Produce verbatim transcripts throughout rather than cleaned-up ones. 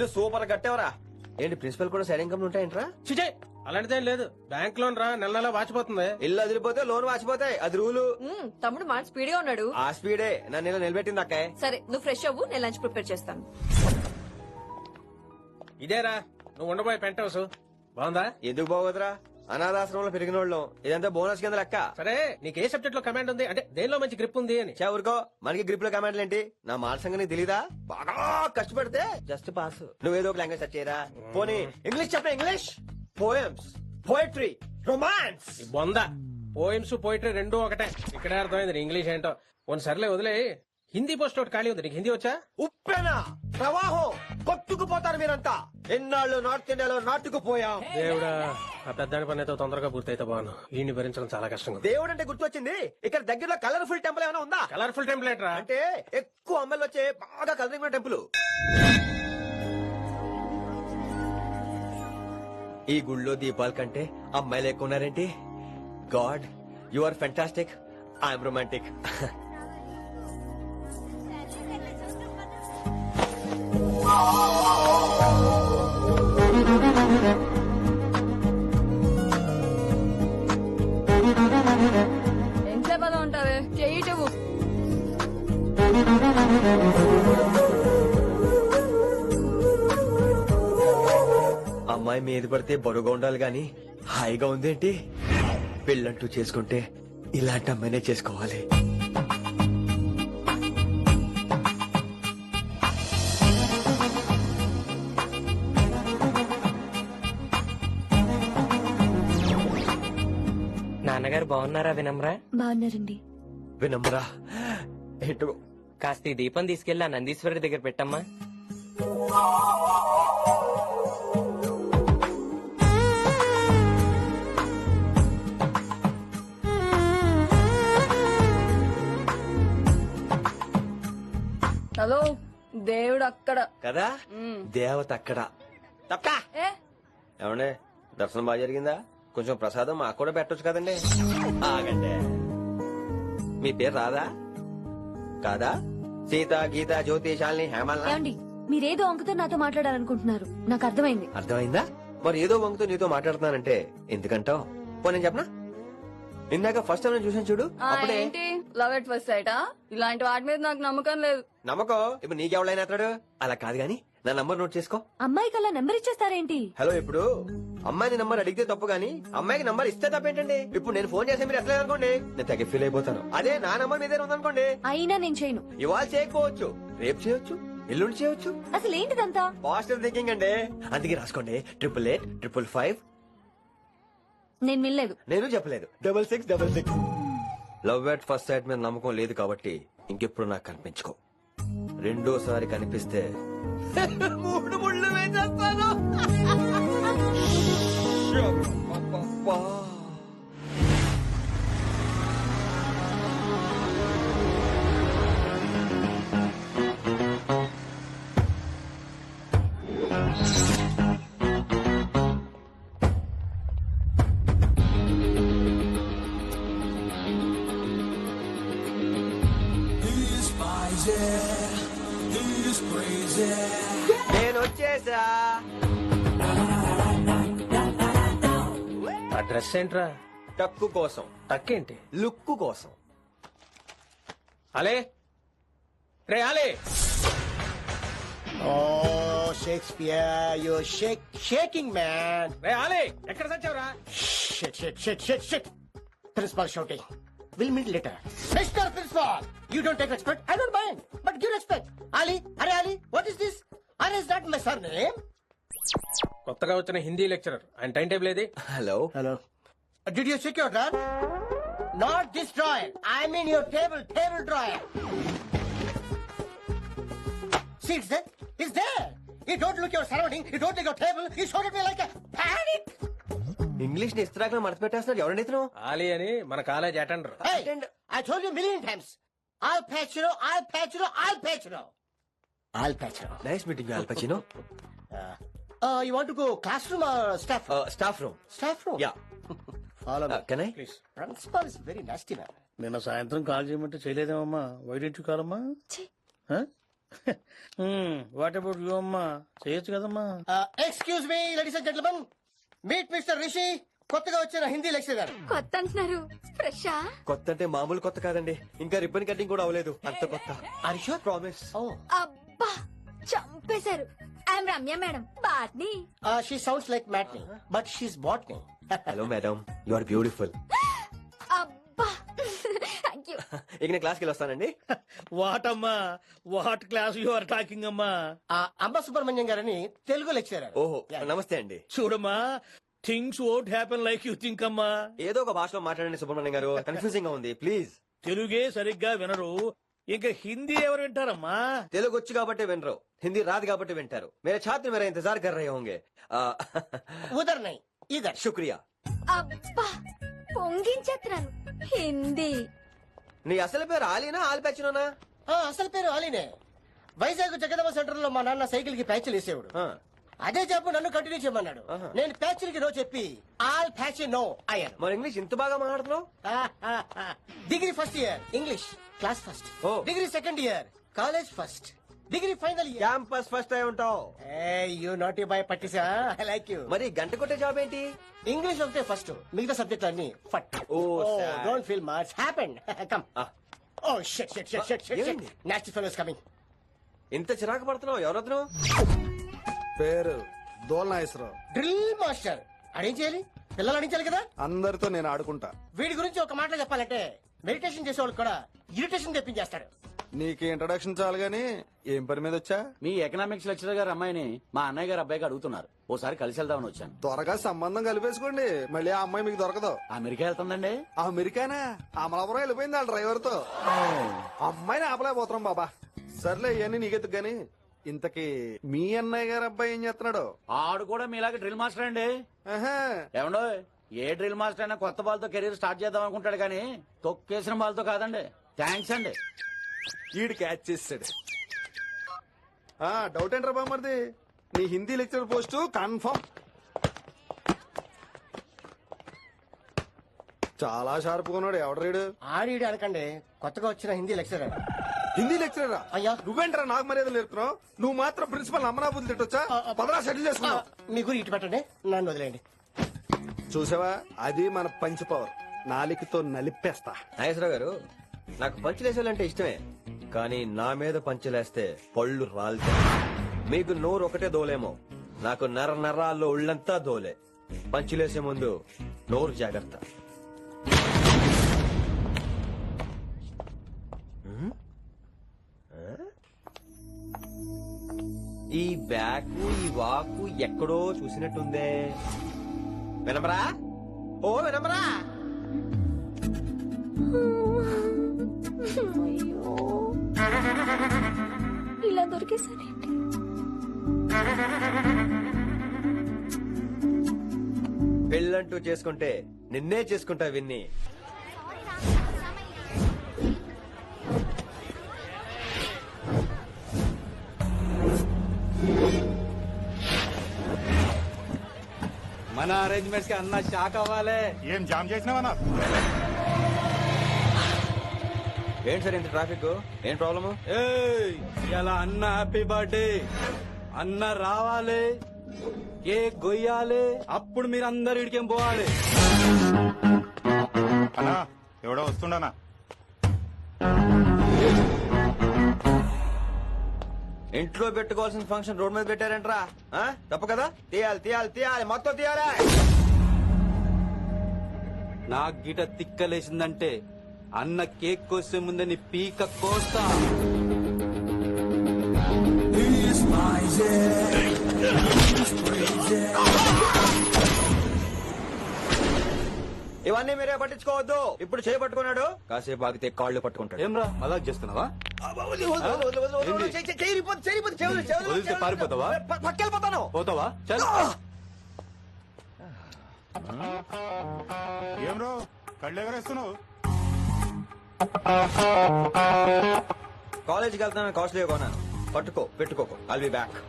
Super కట్టేవరా. ఏంటి principal కూడా side income ఉంటాయంట్రా? చిచే అలాంటిదేం లేదు. బ్యాంక్ లోన్ రా నెల నెల వాచిపోతుంది. ఇల్లు అదిరిపోతే లోన్ వాచిపోతాయి, అది రూలు. మ్మ్, తమ్ముడు మాట స్పీడ్ గా ఉన్నాడు. ఆ స్పీడే నన్ను ఇలా నిలబెట్టింది అక్కే. సరే నువ్వు ఫ్రెష్ అవ్వు, నేను లంచ్ ప్రిపేర్ చేస్తాను. ఇదేరా నువ్వు ఉండబోయే పెంట్ హౌస్. బాగుందా? ఎందుకు బాగోదురా, అనాథాశ్రమంలో పెరిగిన వాళ్ళం. ఇదంతా బోనస్ కింద లెక్క. సరే నీకు ఏ సబ్జెక్ట్ లో కమాండ్ ఉంది, అంటే దేనిలో మంచి గ్రిప్ ఉంది అని. చా ఊరుకో, మనకి గ్రిప్ లో కమాండ్లు ఏంటి? నా మాట సంగతి నీకు తెలీదా? బాగా కష్టపడితే జస్ట్ పాస్. నువ్వేదో ఒక లాంగ్వేజ్ సెర్చ్ చేయరా. పోనీ ఇంగ్లీష్ చెప్ప. English poems, poetry, romance. ఈ బొంద పోయిమ్స్ పోయిటరీ రెండు ఒకటే. ఇక్కడే అర్థమైంది నీ ఇంగ్లీష్ ఏంటో. కొన్ని సర్లే వదిలే. హిందీ పోస్ట్ ఒకటి ఖాళీ ఉంది, నీకు హిందీ వచ్చా? ఉప్పెన ప్రవాహం కొట్టుకుపోతారు మీరంతా. ఎన్నాళ్ళు నార్త్ ఇండియాలో నాటుకుపోయాం. దేవుడా, ఆ పెద్దాని పని అయితే తొందరగా పూర్తయితే బాను. వీడిని భరించడం చాలా కష్టంగా. దేవుడు అంటే గుర్తొచ్చింది, ఇక్కడ దగ్గరలో కలర్ఫుల్ టెంపుల్ ఏమైనా ఉందా? కలర్ఫుల్ టెంప్లెట్ రా. అంటే ఎక్కువ అమ్మాయిలు వచ్చే బాగా కలరింగ్ ఉన్న టెంపుల్. ఈ గుళ్ళో దీపాల కంటే అమ్మాయిలు ఎక్కువ ఉన్నారేంటి? God, you are fantastic, I'm romantic. ఎంత పదం ఉంటావే, చెయ్యటవు. అమ్మాయి మీద పడితే బరువుగా ఉండాలి గాని హాయిగా ఉందేంటి? పెళ్ళంటూ చేసుకుంటే ఇలాంటి అమ్మాయినే చేసుకోవాలి. నాన్నగారు బాగున్నారా వినమ్రా? బాగున్నారండి. వినమ్రా ఏంటో. కాస్త ఈ దీపం తీసుకెళ్లి ఆ నందీశ్వరుడి దగ్గర పెట్టమ్మా. హలో, దేవుడు అక్కడ కదా, మ్మ్. దేవత అక్కడ. తప్పకా ఏ ఏమండే, దర్శనం బాగా జరిగిందా? కొంచెం ప్రసాదం మాకు కూడా పెట్టొచ్చు కదండి. ఆగండి, మీ పేరు రాదా? కాదా? సీత, గీత, జ్యోతి, శాలిని, హేమల్. ఏమండి, మీరేదో అంకుతో నాతో మాట్లాడాలనుకుంటున్నారు, నాకు అర్థమైంది. అర్థమైందా? మరి ఏదో వంగుతో నీతో మాట్లాడుతున్నానంటే ఎందుకంటావు? పో నేను చెప్పనా, ఇందాక ఫస్ట్ టైం నేను చూసాను చూడు, ఆ, అప్పుడే. ఏంటి లవ్ ఎట్ ఫస్ట్ సైటా? ఇలాంటి వాటి మీద నాకు నమ్మకం లేదు. నమ్మకం ఇప్పుడు నీకెవడైనా అతడు. అలా కాదు గాని నా నంబర్ నోట్ చేసుకో. అమ్మాయికి అలా నెంబర్ ఇచ్చేస్తారేంటి? హలో, ఇప్పుడు అమ్మాయిని నంబర్ అడిగితే తప్పు గానీ అమ్మాయికి నంబర్ ఇస్తే తప్పేంటండి? ఇప్పుడు నేను ఫోన్ చేస్తే మీరు ఎట్లా అనుకోండి, నేను తగ్గ ఫీల్ అయిపోతాను. అదే నా నంబర్ మీదే ఉందనుకోండి, అయినా నేను చేయను. ఇవాళ చేయకపోవచ్చు, రేపు చేయొచ్చు, ఎల్లుండి చేయొచ్చు. అసలు ఏంటిదంతా? పాజిటివ్ థింకింగ్ అండి. అందుకే రాసుకోండి, ట్రిపుల్ ఎయిట్ ట్రిపుల్ ఫైవ్. నేను వినలేదు. నేను చెప్పలేదు, double six double six. Love at first sight మీద నమ్మకం లేదు కాబట్టి ఇంకెప్పుడు నాకు కనిపించుకో. రెండోసారి కనిపిస్తే మూడు ముళ్ళు వేసేస్తాను. అబ్బబ్బబ్బా. నేను వచ్చేసా. ఆ డ్రెస్ ఏంట్రా? టక్కు కోసం, టక్కేంటి? లుక్కు కోసం. అలే రే అలే. Oh, Shakespeare, you're shake, shaking, man. రే అలే, ఎక్కడ సచ్చావురా? Shit, shit, shit, shit, shit. Principal shouting. We'll meet later. Mister Principal, you don't take respect. I don't mind, but give respect. Ali, Hare Ali, what is this? Are is that my surname? కొత్తగా వచ్చిన Hindi lecturer, ఆయన time table ఏది? Hello Hello. Uh, did you check your drawer? Not this drawer. I mean your table, table drawer. See, it's there. It's there. You don't look your surrounding. You don't look your table. You shot at me like a panic. English ని ఇస్త్రాకులో మడత పెట్టేస్తున్నాడు. ఎవరండి ఇతను? ఆలీ అని మన college attender. Hey, I told you a million times. I'll patch you. I'll patch you. I'll patch you. I'll patch you. Nice meeting Al Pacino. Uh, uh, you want to go classroom or staff room? Staff room. Staff room. Yeah. Follow me. Can I? Please. Principal is very nasty man. నిన్న సాయంత్రం call చేయమంటే చేయలేదేమమ్మా? Why didn't you call అమ్మా? What about you అమ్మా చేయొచ్చు కదమ్మా. Excuse me ladies and gentlemen, meet mister Rishi, కొత్తగా వచ్చిన హిందీ లెక్చరర్. కొత్త అంటున్నారు, ఫ్రెషా? కొత్త అంటే మామూలు కొత్త కాదండి, ఇంకా రిబ్బన్ కటింగ్ కూడా అవ్వలేదు, అంత కొత్త. Are you sure? ప్రామిస్. ఓ అబ్బా చంపేశారు. I'm Ramya madam, botany. She sounds like matinee but she's botany. Hello madam, you are beautiful. అబ్బా థ్యాంక్ యూ. ఇక నేను క్లాస్కి వెళ్ళి వస్తానండి. వాట్ అమ్మా, what class you are talking అమ్మా. అంబ సుబ్రహ్మణ్యం గారని తెలుగు లెక్చరర్. ఓహో నమస్తే అండి. చూడమ్మా, things won't happen like you think అమ్మా. ఏదో ఒక భాషలో మాట్లాడండి సుబ్రహ్మణ్యం గారు, కన్ఫ్యూజింగ్ గా ఉంది ప్లీజ్. తెలుగే సరిగ్గా వినరు, ఇంకా హిందీ ఎవరు వింటారమ్మా? తెలుగు వచ్చు కాబట్టి వినరు, హిందీ రాదు కాబట్టి వింటారు. మేరే ఛాత్ర మేరా ఇంతజార్ కర్ రహే హోంగే. ఆ, ఉదర్ నై ఇదర్. శుక్రియా. అబ్బా పొంగించేస్తున్నాను. హిందీ నీ అసలు పేరు ఆలీనా ఆల్పచ్చినోనా? ఆ, అసలు పేరు అలీనే. వైజాగ్ జగదమ్మ సెంటర్ లో మా నాన్న సైకిల్ కి ప్యాచ్లు వేసేవాడు. అదే చెప్పు నన్ను కంటిన్యూ చేయమన్నాడు. ఆహా. నేను ప్యాచ్లకి నో చెప్పి ఆల్ ప్యాచ్ నో అయ్యాను. మరి ఇంగ్లీష్ ఇంత బాగా మాట్లాడుతున్నావు? Degree first year English class first. ఓ. Degree second year college first. Degree final year campus first అయి ఉంటావు. యూ నాట్ బాయ్ పట్టిసా. I like you. మరి గంట కొట్టే జాబ్ ఏంటి? ఇంగ్లీష్ ఒకటే ఫస్ట్, మిగతా సబ్జెక్ట్ అన్ని ఫట్. Oh, sad. Don't feel much happen. Come. ఆ, oh shut shut shut shut shut. ఏమైంది? Nasty fellows coming. ఇంత చిరాకు పడుతున్నావు, ఎవరొద్దు? పేరు దోల్నాగేశ్వరరావు. Drill master. అడేం చేయాలి? పిల్లలు అడించాలి కదా. అందరితో నేను ఆడుకుంటా. వీడి గురించి ఒక మాటలో చెప్పాలంటే మెడిటేషన్ చేసే వాళ్ళు కూడా ఇరిటేషన్ తెప్పించేస్తాడు. నీకు ఇంట్రడక్షన్ చాలు గానీ ఏం పని మీద వచ్చా? మీ ఎకనామిక్స్ లెక్చరర్ గారు అమ్మాయిని మా అన్నయ్య గారు అబ్బాయికి అడుగుతున్నారు, ఓసారి కలిసి వెళ్దామని వచ్చాను. త్వరగా సంబంధం కలిపేసుకోండి, మళ్ళీ ఆ అమ్మాయి మీకు దొరకదు. అమెరికా వెళ్తుందండి. అమెరికానా? అమలాపురం వెళ్ళిపోయింది వాళ్ళ డ్రైవర్ తో. అమ్మాయిని ఆపలేకపోతున్నాం బాబా. సర్లే ఇవన్నీ నీకెత్తుకు గాని, ఇంతకీ మీ అన్నయ్య గారు అబ్బాయి ఏం చేస్తున్నాడు? ఆడు కూడా మీలాగే డ్రిల్ మాస్టర్ అండి. ఆహా. ఏమండో, ఏ డ్రిల్ మాస్టర్ అయినా కొత్త బాల్తో కెరీర్ స్టార్ట్ చేద్దాం అనుకుంటాడు కానీ తొక్కేసిన బాల్తో కాదండి. థ్యాంక్స్ అండి. ఈడు క్యాచ్ చేసాడు. ఆ డౌట్ ఏంట్రా బామ్మర్ది, నీ హిందీ లెక్చర్ పోస్ట్ కన్ఫర్మ్. చాలా షార్ప్ ఉన్నాడు. ఎవడరీడు? ఆడిడి అనకండి, కొత్తగా వచ్చిన హిందీ లెక్చరర్. హిందీ లెక్చరరా? అయ్యా. నువ్వేంట్రా నాకు మర్యాద నేర్పుతున్నావు? నువ్వు మాత్రం ప్రిన్సిపల్ అమ్మనాబుద్ధి తిట్టొచ్చా? పదరా సెటిల్ చేసుకున్నావు. మీ గురి ఇటు పెట్టండి, నన్ను వదిలేయండి. చూసావా, అది మన పంచ్ పవర్. నాలికతో నలిపేస్తా. నాగేశ్వరరావు గారు, నాకు పంచులేసాలంటే ఇష్టమే, కానీ నా మీద పంచులేస్తే పళ్ళు రాలుతాయి. మీకు నోరు ఒకటే దోలేమో, నాకు నర నరాల్లో ఉళ్ళంతా దోలే. పంచులేసే ముందు నోరు జాగ్రత్త. హ్మ్? ఆ? ఈ బ్యాకు ఈ వాకు ఎక్కడో చూసినట్టుందే. వినమరా? ఓ వినమరా? అయ్యో ఇలా దొరికేసానేంటి? పెళ్ళంటూ చేసుకుంటే నిన్నే చేసుకుంటా విన్ని. మన అరేంజ్మెంట్స్ కి అన్న షాక్ అవ్వాలి. ఏం జామ్ చేసినావన్నా? ఏంటి సార్ ఇంత ట్రాఫిక్? ఏం ప్రాబ్లము? ఇలా అన్న హ్యాపీ బర్త్డే, అన్న రావాలి, కేక్ గొయ్యాలి, అప్పుడు మీరు అందరు ఇడికేం పోవాలి. అన్నా ఎవడో వస్తుండనా? ఇంట్లో పెట్టుకోవాల్సిన ఫంక్షన్ రోడ్ మీద పెట్టారంట్రా. ఆ? తప్పు కదా? తీయాలి తీయాలి తీయాలి, మొత్తం తీయాలి. నాకు గిట తిక్కలేసిందంటే అన్న కేక్ కోసే ముందే నీ పీక కోస్తా. ఇవన్నీ మీరే పట్టించుకోవద్దు. ఇప్పుడు చేయి పట్టుకున్నాడు, కాసేపు ఆగితే కాళ్ళు పట్టుకుంటాడు. ఏమ్రా మజాక్ చేస్తున్నావా? వదిలితే పారిపోతావా? పక్కెళ్ళిపోతాను. పోతావా? చల్. ఏం రో కళ్ళు ఎగరేస్తున్నావు? కాలేజీకి వెళ్తాను, కాస్ట్లీ కొన్నాను. పట్టుకో పెట్టుకోకు. I'll be back.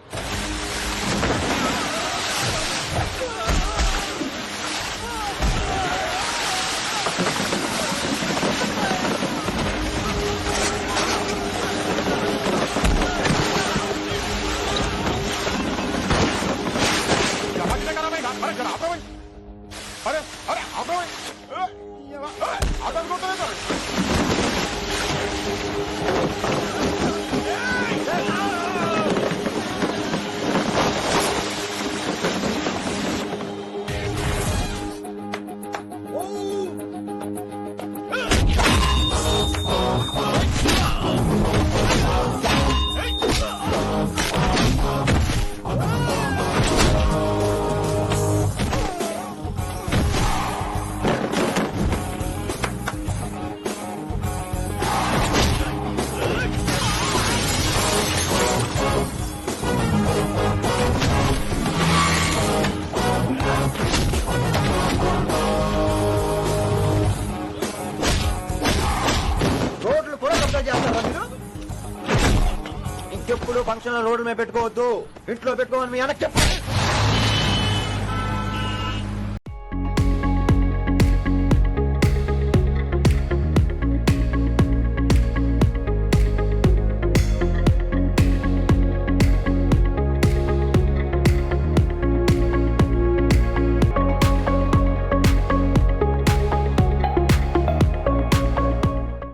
అరే అరే అబ్బాయి అతను కొట్టలేదు. రోడ్లు కూడా కబ్జా చేస్తారా మీరు? ఇంకెప్పుడు ఫంక్షన్ లో రోడ్డు మీద పెట్టుకోవద్దు, ఇంట్లో పెట్టుకోమని మీ అన్నకి చెప్పండి.